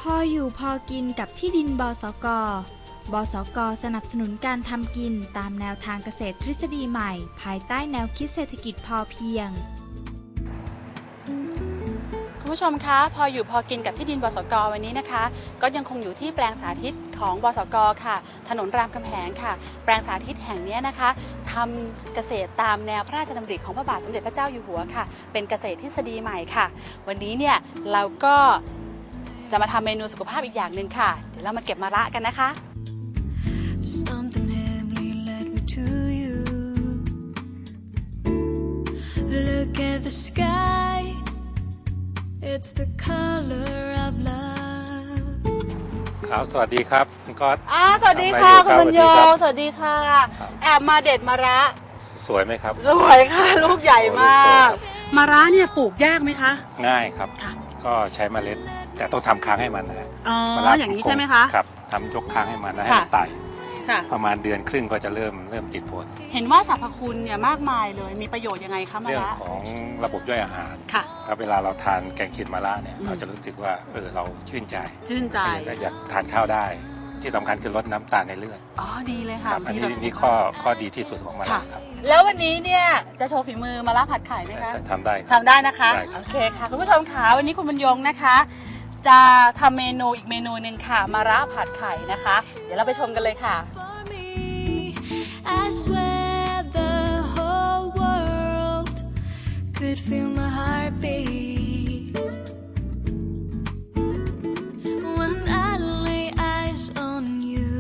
ออยู่พอกินกับที่ดินบสก.บสก.สนับสนุนการทำกินตามแนวทางเกษตรทฤษฎีใหม่ภายใต้แนวคิดเศรษฐกิจพอเพียงคุณผู้ชมคะพออยู่พอกินกับที่ดินบสก.วันนี้นะคะก็ยังคงอยู่ที่แปลงสาธิตของบสก.ค่ะถนนรามคำแหงค่ะแปลงสาธิตแห่งนี้นะคะทำเกษตรตามแนวพระราชดำริของพระบาทสมเด็จพระเจ้าอยู่หัวค่ะเป็นเกษตรทฤษฎีใหม่ค่ะวันนี้เนี่ยเราก็จะมาทำเมนูสุขภาพอีกอย่างหนึ่งค่ะเดี๋ยวเรามาเก็บมะระกันนะคะLook at the sky It's the color of love ครับสวัสดีครับคุณก๊อตสวัสดีค่ะคุณบรรยงสวัสดีค่ะแอบมาเด็ดมะระสวยไหมครับสวยค่ะลูกใหญ่มากมะระเนี่ยปลูกยากไหมคะง่ายครับก็ใช้เมล็ดแต่ต้องทำค้างให้มันนะมะระอย่างนี้ใช่ไหมคะครับทำยกค้างให้มันแล้วให้มันไต่ประมาณเดือนครึ่งก็จะเริ่มติดผลเห็นว่าสรรพคุณเนี่ยมากมายเลยมีประโยชน์ยังไงคะมะระเรื่องของระบบย่อยอาหารครับเวลาเราทานแกงเขียดมะระเนี่ยเราจะรู้สึกว่าเราชื่นใจและอยากทานข้าวได้ที่สำคัญคือลดน้ำตาลในเลือดดีเลยค่ะอันนี้ข้อดีที่สุดของมะระครับแล้ววันนี้เนี่ยจะโชว์ฝีมือมะระผัดไข่ไหมคะทำได้นะคะโอเคค่ะคุณผู้ชมค่ะวันนี้คุณบรรยงนะคะจะทำเมนูอีกเมนูหนึ่งค่ะมะระผัดไข่นะคะเดี๋ยวเราไปชมกันเลยค่ะI swear the whole world could feel my heartbeat when I lay eyes on you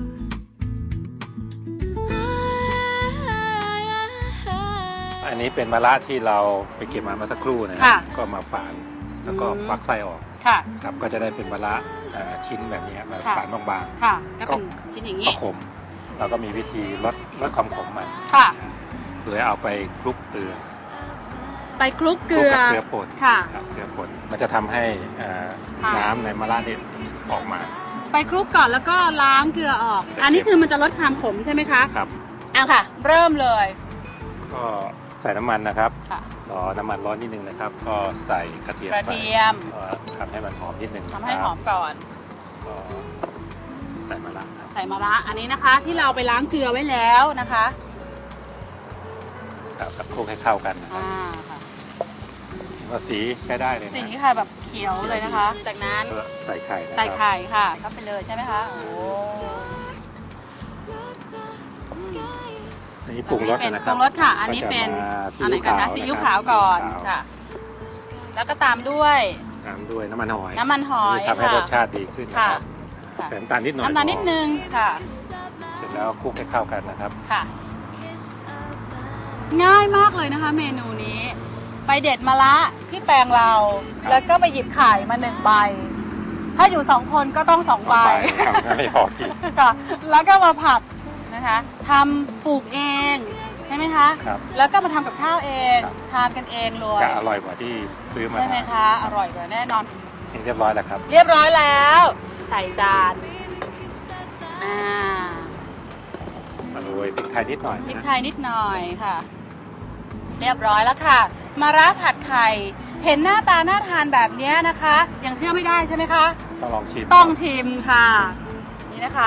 อันนี้เป็นมะระที่เราไปเก็บมาเมื่อสักครู่นะก็มาฝานแล้วก็ควักไส้ออกครับก็จะได้เป็นมะระชิ้นแบบนี้มาฝานบางๆก็เป็นชิ้นอย่างนี้ขมเราก็มีวิธีลดความขมมันโดยเอาไปคลุกเกลือเกลือป่นเกลือป่นมันจะทำให้น้ำในมะระนี่ออกมาไปคลุกก่อนแล้วก็ล้างเกลือออกอันนี้คือมันจะลดความขมใช่ไหมคะครับค่ะเริ่มเลยก็ใส่น้ำมันนะครับรอน้ำมันร้อนนิดนึงนะครับก็ใส่กระเทียมทำให้มันหอมนิดนึงทำให้หอมก่อนใส่มะระอันนี้นะคะที่เราไปล้างเกลือไว้แล้วนะคะกับคลุกให้เข้ากันว่าสีใช้ได้เลยสีค่ะแบบเขียวเลยนะคะจากนั้นใส่ไข่ค่ะเข้าไปเลยใช่ไหมคะอันนี้ปรุงรสนะครับปรุงรสค่ะอันนี้เป็นอันไหนกันนะซีอิ๊วขาวก่อนค่ะแล้วก็ตามด้วยน้ำมันหอยทำให้รสชาติดีขึ้นนะครับใส่น้ำตาลนิดหน่อยน้ำตาลนิดนึงค่ะเสร็จแล้วคลุกให้เข้ากันนะครับค่ะง่ายมากเลยนะคะเมนูนี้ไปเด็ดมะระที่แปลงเราแล้วก็ไปหยิบไข่มา1 ใบถ้าอยู่2 คนก็ต้อง2 ใบไม่พอที่ค่ะแล้วก็มาผัดนะคะทำปลูกเองใช่ไหมคะแล้วก็มาทำกับข้าวเองทานกันเองเลยจะอร่อยกว่าที่ซื้อมาใช่ไหมคะอร่อยกว่าแน่นอนเรียบร้อยแล้วครับเรียบร้อยแล้วใส่จานมาโรยพริกไทยนิดหน่อยค่ะเรียบร้อยแล้วค่ะมะระผัดไข่เห็นหน้าตาน่าทานแบบนี้นะคะยังเชื่อไม่ได้ใช่ไหมคะต้องชิมค่ะนี่นะคะ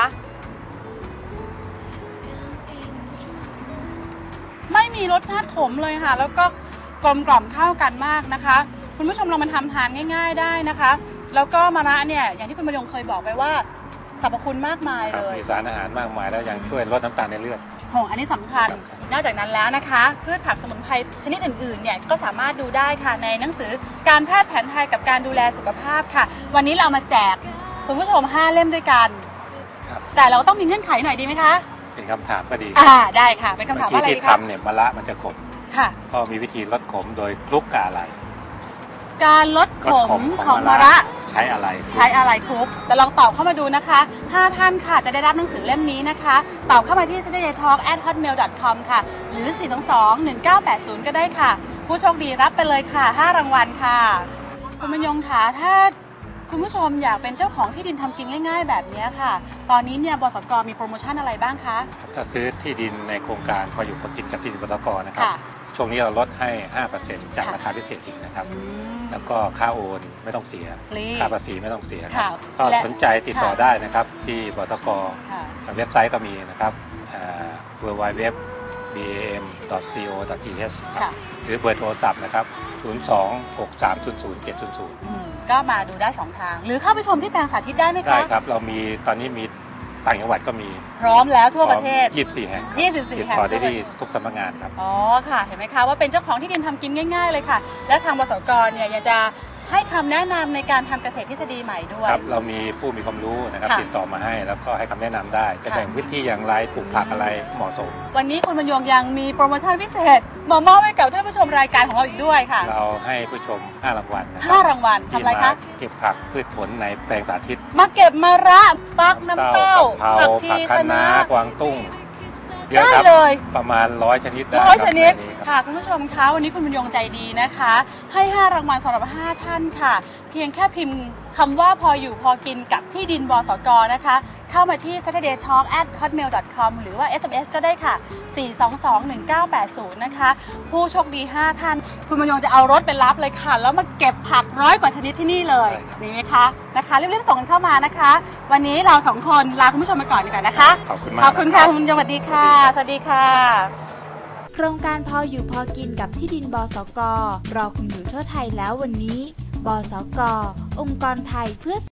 ไม่มีรสชาติขมเลยค่ะแล้วก็กลมกล่อมเข้ากันมากนะคะคุณผู้ชมลองมาทำทานง่ายๆได้นะคะแล้วก็มะระเนี่ยอย่างที่คุณบรรยงเคยบอกไปว่าสรรพคุณมากมายเลยมีสารอาหารมากมายแล้วยังช่วยลดน้ำตาลในเลือดอันนี้สำคัญนอกจากนั้นแล้วนะคะพืชผักสมุนไพรชนิดอื่นๆเนี่ยก็สามารถดูได้ค่ะในหนังสือการแพทย์แผนไทยกับการดูแลสุขภาพค่ะวันนี้เรามาแจกคุณผู้ชม5 เล่มด้วยกันแต่เราต้องมีเงื่อนไขหน่อยดีไหมคะเป็นคำถามก็ดีได้ค่ะเป็นคำถามว่าอะไรที่ทำเนี่ยมะระมันจะขมก็มีวิธีลดขมโดยคลุกกับอะไรการลดขมของมะระใช้อะไรคลุกแต่ลองตอบเข้ามาดูนะคะ5 ท่านค่ะจะได้รับหนังสือเล่มนี้นะคะตอบเข้ามาที่ saturdaytalk@hotmail.com ค่ะหรือ422-1980ก็ได้ค่ะผู้โชคดีรับไปเลยค่ะ5 รางวัลค่ะคุณบรรยงค่ะถ้าคุณผู้ชมอยากเป็นเจ้าของที่ดินทำกินง่ายๆแบบนี้ค่ะตอนนี้เนี่ยบสก.มีโปรโมชั่นอะไรบ้างคะถ้าซื้อที่ดินในโครงการพออยู่พอกินกับที่ดินบสก.นะครับช่วงนี้เราลดให้ 5% จากราคาพิเศษอีกนะครับแล้วก็ค่าโอนไม่ต้องเสียค่าภาษีไม่ต้องเสียครับก็สนใจติดต่อได้นะครับที่บสก.เว็บไซต์ก็มีนะครับwww.bam.co.th หรือเบอร์โทรศัพท์นะครับ026300700 ก็มาดูได้2ทางหรือเข้าไปชมที่แปลงสาธิตได้ไหมคะได้ครับเรามีตอนนี้มีต่างจังหวัดก็มีพร้อมแล้วทั่วประเทศ 24 แห่ง 24 แห่งติดต่อได้ที่ทุกสำนักงานครับอ๋อค่ะเห็นไหมคะว่าเป็นเจ้าของที่ดินทำกินง่ายๆเลยค่ะและทางบสก.เนี่ยยังจะให้คำแนะนำในการทำเกษตรทฤษฎีใหม่ด้วยครับเรามีผู้มีความรู้นะครับติดต่อมาให้แล้วก็ให้คำแนะนำได้จะแบ่งพื้นที่อย่างไรปลูกผักอะไรเหมาะสมวันนี้คุณบรรยงยังมีโปรโมชั่นพิเศษมามอบให้กับท่านผู้ชมรายการของเราอีกด้วยค่ะเราให้ผู้ชม5 รางวัลนะครับ 5 รางวัลทำอะไรคะเก็บผักพืชผลในแปลงสาธิตมาเก็บมะระฟักน้ำเต้าผักชีคะน้ากวางตุ้งได้เลยประมาณ100 ชนิดชนิดค่ะคุณผู้ชมคะวันนี้คุณบรรยงใจดีนะคะให้5 รางวัลสำหรับ5 ท่านค่ะเพียงแค่พิมพ์คำว่าพออยู่พอกินกับที่ดินบสก.นะคะเข้ามาที่ saturdaytalk@hotmail.com หรือว่า SMS ก็ได้ค่ะ4221980นะคะผู้โชคดี5 ท่านคุณบรรยงจะเอารถไปรับเลยค่ะแล้วมาเก็บผัก100 กว่าชนิดที่นี่เลยดีไหมคะนะคะรีบๆส่งกันเข้ามานะคะวันนี้เรา2 คนลาคุณผู้ชมไปก่อนดีกว่านะคะขอบคุณมากขอบคุณค่ะคุณบรรยงสวัสดีค่ะสวัสดีค่ะโครงการพออยู่พอกินกับที่ดินบสก.รอคุณอยู่ทั่วไทยแล้ววันนี้บสก.องค์กรไทยเพื่อ